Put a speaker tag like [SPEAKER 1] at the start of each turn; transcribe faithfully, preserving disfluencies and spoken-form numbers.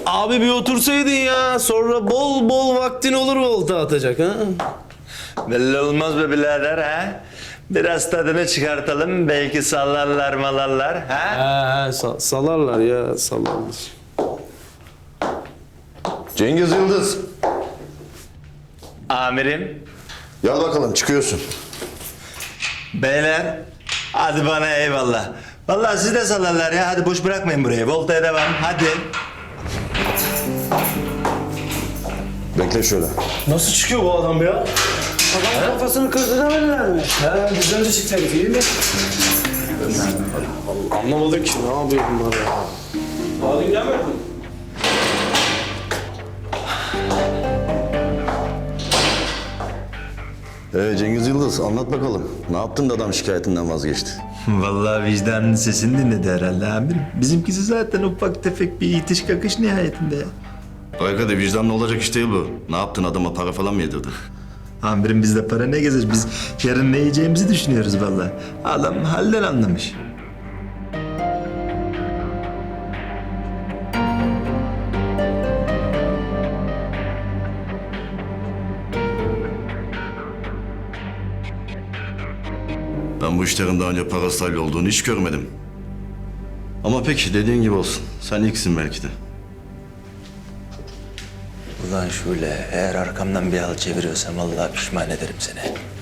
[SPEAKER 1] Abi bir otursaydın ya. Sonra bol bol vaktin olur volta atacak ha.
[SPEAKER 2] Belli olmaz be birader ha. Biraz tadını çıkartalım. Belki sallarlar malarlar ha.
[SPEAKER 1] He he sa- salarlar ya salarlar.
[SPEAKER 3] Cengiz Yıldız.
[SPEAKER 2] Amirim.
[SPEAKER 3] Gel bakalım çıkıyorsun.
[SPEAKER 2] Beyler. Hadi bana eyvallah. Vallahi siz de sallarlar ya. Hadi boş bırakmayın burayı. Voltaya devam. Hadi.
[SPEAKER 3] Bekle şöyle.
[SPEAKER 1] Nasıl çıkıyor bu adam ya?
[SPEAKER 4] Adam kafasını kırdı demediler mi? He, bizden de çıktı herif, iyi mi?
[SPEAKER 1] Anlamadım ki ne yapıyor bunlar ya.
[SPEAKER 4] Adın gelmedi mi?
[SPEAKER 3] Ee, Cengiz Yıldız anlat bakalım. Ne yaptın da adam şikayetinden vazgeçti?
[SPEAKER 2] Vallahi vicdanın sesini dinledi herhalde amirim. Bizimkisi zaten ufak tefek bir itiş kakış nihayetinde ya.
[SPEAKER 3] Arkada vicdanlı olacak iş değil bu. Ne yaptın adama para falan mı yedirdin?
[SPEAKER 2] Amirim bizde para ne gezer? Biz yarın ne yiyeceğimizi düşünüyoruz vallahi. Adam halden anlamış.
[SPEAKER 3] Ben bu işlerin daha önce parasıyla olduğunu hiç görmedim. Ama peki dediğin gibi olsun. Sen ilksin belki de.
[SPEAKER 2] Ulan şöyle eğer arkamdan bir hal çeviriyorsam vallahi pişman ederim seni.